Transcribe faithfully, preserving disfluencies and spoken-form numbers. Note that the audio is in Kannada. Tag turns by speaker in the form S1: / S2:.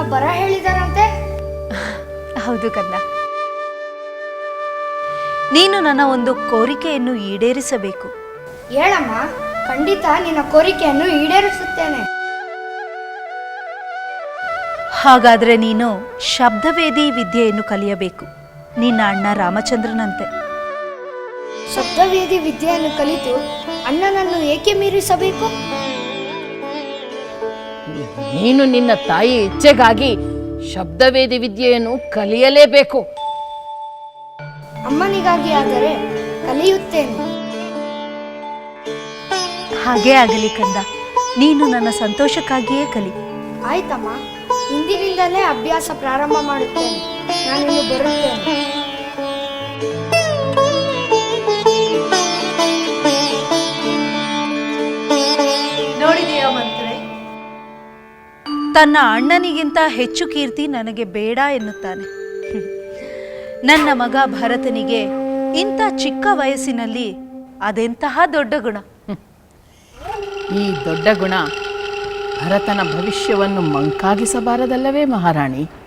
S1: ಬರ ಹೇಳಿದಾರಂತೆ?
S2: ಹೌದು ಕಂದ. ನೀನು ನನ್ನ ಒಂದು ಕೋರಿಕೆಯನ್ನು ಈಡೇರಿಸಬೇಕು.
S1: ಹೇಳಮ್ಮ, ಖಂಡಿತ ನಿನ್ನ ಕೋರಿಕೆಯನ್ನು ಈಡೇರಿಸುತ್ತೇನೆ.
S2: ಹಾಗಾದ್ರೆ ನೀನು ಶಬ್ದವೇದಿ ವಿದ್ಯೆಯನ್ನು ಕಲಿಯಬೇಕು, ನಿನ್ನ ಅಣ್ಣ ರಾಮಚಂದ್ರನಂತೆ.
S1: ಶಬ್ದವೇದಿ ವಿದ್ಯೆಯನ್ನು ಕಲಿತು ಅಣ್ಣನನ್ನು ಏಕೆ ಮೀರಿಸಬೇಕು?
S3: ನೀನು ನಿನ್ನ ತಾಯಿ ಇಚ್ಛೆಗಾಗಿ ಶಬ್ದವೇದಿ ವಿದ್ಯೆಯನ್ನು ಕಲಿಯಲೇಬೇಕು.
S1: ಅಮ್ಮನಿಗಾಗಿ ಆದರೆ ಕಲಿಯುತ್ತೇನೆ.
S2: ಹಾಗೇ ಆಗಲಿ ಕಂದ, ನೀನು ನನ್ನ ಸಂತೋಷಕ್ಕಾಗಿಯೇ ಕಲಿ.
S1: ಆಯ್ತಮ್ಮ, ಇಂದಿನಿಂದಲೇ ಅಭ್ಯಾಸ ಪ್ರಾರಂಭ ಮಾಡುತ್ತೇನೆ. ನಾನಿನ್ನು ಬರುತ್ತೇನೆ.
S2: ನೋಡಿದೆಯಾ ಮಂತ್ರೆ, ತನ್ನ ಅಣ್ಣನಿಗಿಂತ ಹೆಚ್ಚು ಕೀರ್ತಿ ನನಗೆ ಬೇಡ ಎನ್ನುತ್ತಾನೆ. ನನ್ನ ಮಗ ಭರತನಿಗೆ ಇಂಥ ಚಿಕ್ಕ ವಯಸ್ಸಿನಲ್ಲಿ ಅದೆಂತಹ ದೊಡ್ಡ ಗುಣ.
S3: ಈ ದೊಡ್ಡ ಗುಣ ಭರತನ ಭವಿಷ್ಯವನ್ನು ಮಂಕಾಗಿಸಬಾರದಲ್ಲವೇ ಮಹಾರಾಣಿ?